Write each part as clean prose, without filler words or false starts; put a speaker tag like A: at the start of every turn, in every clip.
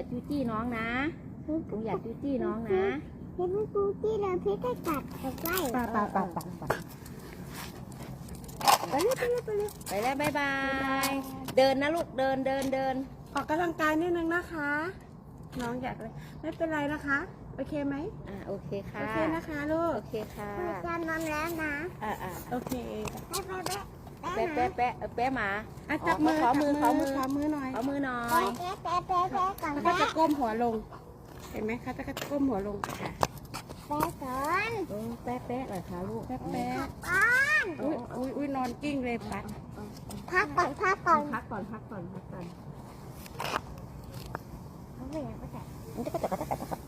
A: จู้จี้น้องนะลุงอยากจู้จี้น้องนะ
B: เพชรจู้จี้แล้วเพชรจะกัดใกล้
A: ไปแล้วบ๊ายบายเดินนะลูกเดิน
C: ออกกำลังกายนิดนึงนะคะ น้องอยากเลยไม่เป็นไรนะคะโอเคไหม
A: โอเคค่ะ
C: โอเคนะคะลูก
A: โอเคค่ะ
B: จะนอนแล้วนะ
A: โอเคแปะหมา
C: จับมือ
A: ขอมือ
C: หน่อย
B: แปะก่อน
C: เขาจะก้มหัวลงเห็นไหมคะจะก้มหัวลงค่ะ
B: แปะก่อน
A: แปะเลยค่ะลูก
C: แปะ
B: ก่อน
C: อุ้ยนอนกิ้งเลยปัด
B: พักก่อน
A: พักก่อน
B: เขาไม่อยากกัด
A: มันจะกัด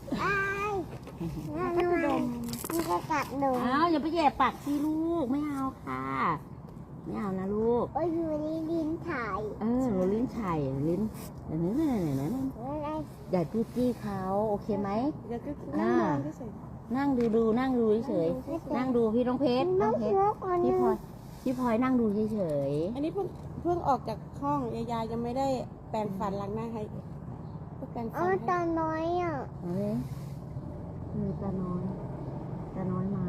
B: มันจะกัดหนู
A: อย่าไปแย่ปากสิลูกไม่เอาค่ะไม่เอานะลูก
B: อยู่ในลิ้นถ่าย
A: หนูลิ้นไฉ่ลิ้นอย่าจู้จี้เขาโอเคไหมนั่งดูเฉยนั่งดูพี่น้องเพชรพี่พลอยนั่งดูเฉย
C: อันนี้เพิ่งออกจากห้องยายยังไม่ได้แปรงฟันล้างหน้าให้แปรงฟัน
B: ตาน้อย
A: มีตาน้อยมา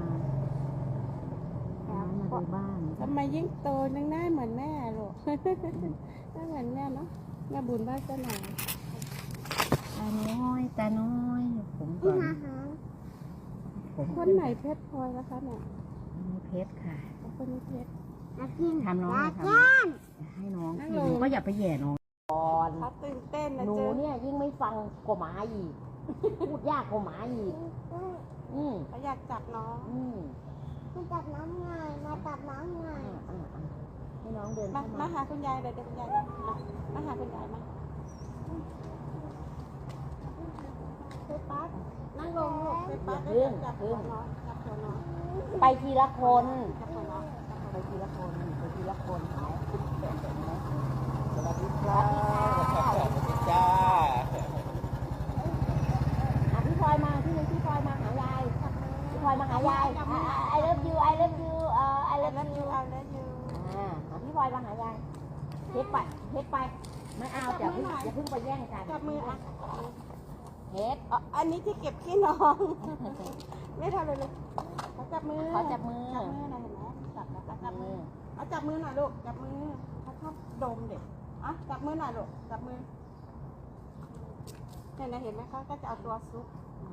A: ดูบ้าน
C: ทำไมยิ่งโตนั่งหน้าเหมือนแม่ลูกหน้าเหมือนแม่เนาะแม่บุญบ้านเจ้าหน่อย
A: ตาน้อยผมก่อน
C: คนไหนเพชรพลอยนะคะเนี่ย
A: เพชรค่ะ
C: คนนี้เพชร
A: ทำน้องทำให้น้องหนูก็อย่าไปแย่น้องก่อน
C: เขาตื่นเต้นนะ
A: หนูเนี่ยยิ่งไม่ฟังกว่าหมาอีกพูดยากกว่าหมาอีก
C: เขาอยากจับน้อง
B: มาจับน้องไงมาจับน้องไง
A: ให้น้องเดิน
C: มาหาคุณยายเลยเดี๋ยวคุณยายมาหาคุณยายมานั่งลงลูก
A: จับน้องไปทีละคนสวัสดีครับสวัสดีจ้าพี่พลอยมาพี่พลอยมาหายายพี่พลอยมาหายาย I love you I love you I love you พี่พลอยมาหายายเฮ็ดไปไม่เอาอย่าเพิ่งไปแย่งกัน
C: จับมือ
A: เฮ็ด
C: อันนี้ที่เก็บขี้น้อง ไม่ทำเลยเขาจับมือ
A: นะเห็นไหม
C: จับมือเอาจับมือหน่อยลูกจับมือเขาชอบดมเด็กจับมือหน่อยลูกจับมือเห็นไหมเขาก็จะเอาตัวซุก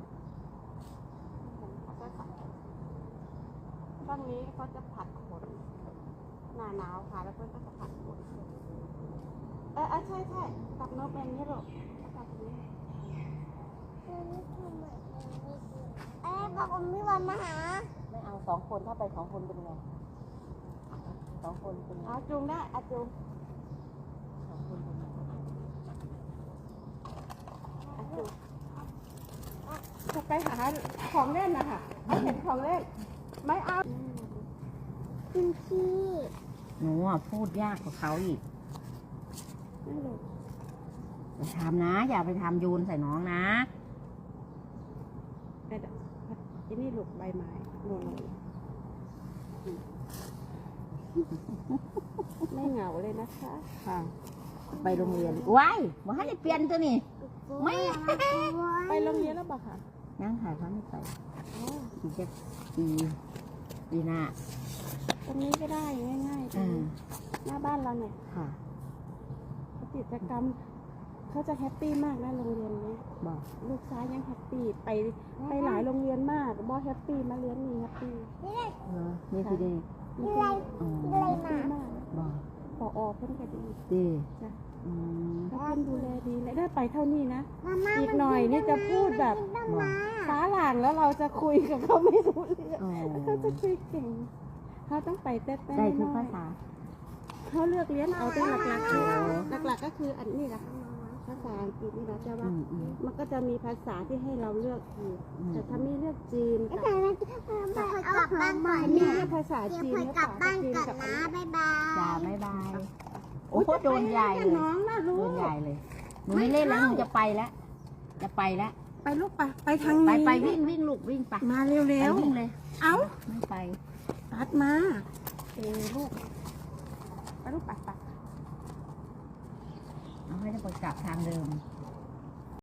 C: ตอนนี้เขาจะผัดขนหนาหนาวค่ะแล้วเพื่อนก็จะผัดขนใช่จับนกเป็นนี่ลูกจับนี้
B: บอกพี่วันมาหา
A: ไม่เอา2 คนถ้าไป2 คนเป็นไง2 คนเป็นไง
C: จูงได้จูง
A: 2 คนเป็นไง
C: จะไปหาของเล่นนะคะไม่เห็นของเล่นไม่เอา
B: คุณพี่
A: หนูพูดยากกว่าเขาอีกอย่าทำนะอย่าไปทำโยนใส่น้องนะ
C: ที่นี่หลุกใบไม้หล่นไม่เหงาเลยนะคะ
A: ไปโรงเรียนว้ายมาให้เปลี่ยนตัวนี้ไม่
C: ไปโรงเรียนแล้วบอกค่ะ
A: นั่งหาเขาไม่ไปอีกจะปีหน้า
C: ตรงนี้ก็ได้ง่ายๆหน้าบ้านเราเนี่ย
A: ค่ะ
C: กิจกรรมเขาจะแฮปปี้มากนะโรงเรียนนี้
A: บอก
C: ลูกชายยังแฮปปี้ไปหลายโรงเรียนมากบอแฮปปี้มาเรียนนี่แฮปปี้
A: นี่คือดี
B: มาก
A: บอก
C: ปอเพิ่นก็ดี
A: จ้ะ
C: เพิ่นดูแลดีและได้ไปเท่านี้นะอีกหน่อยนี่จะพูดแบบฟ้าหลางแล้วเราจะคุยกับเขาไม่รู้เรื่องเขาจะคุยเก่งเขาต้องไปเต้น
A: ได้ทุกภาษา
C: เขาเลือกเรียนเอาแต่หลักก็คืออันนี้แหละภาษาอังกฤษนี่นะเจ้าว่ามันก็จะมีภาษาที่ให้เราเลือกอีกแต่ถ้าไม่เลือกจีนกับ
B: กลับบ้านก่อน
C: นี่ภาษาจีน
B: กลับบ้านก่อนนะบ๊ายบาย
A: บ๊ายบายโอ้โหโดนใหญ่เลยโดนใหญ่เลยหนูไม่เล่นแล้วหนูจะไปแล้ว
C: ไปลูกไปทางนี้
A: ไปวิ่งลูกวิ่งไป
C: มาเร็ว
A: วิ่งเลย
C: ไม่
A: ไป
C: ตัดมาลูกไปลูกไป
A: เอาให้ได้ไปกลับทางเดิม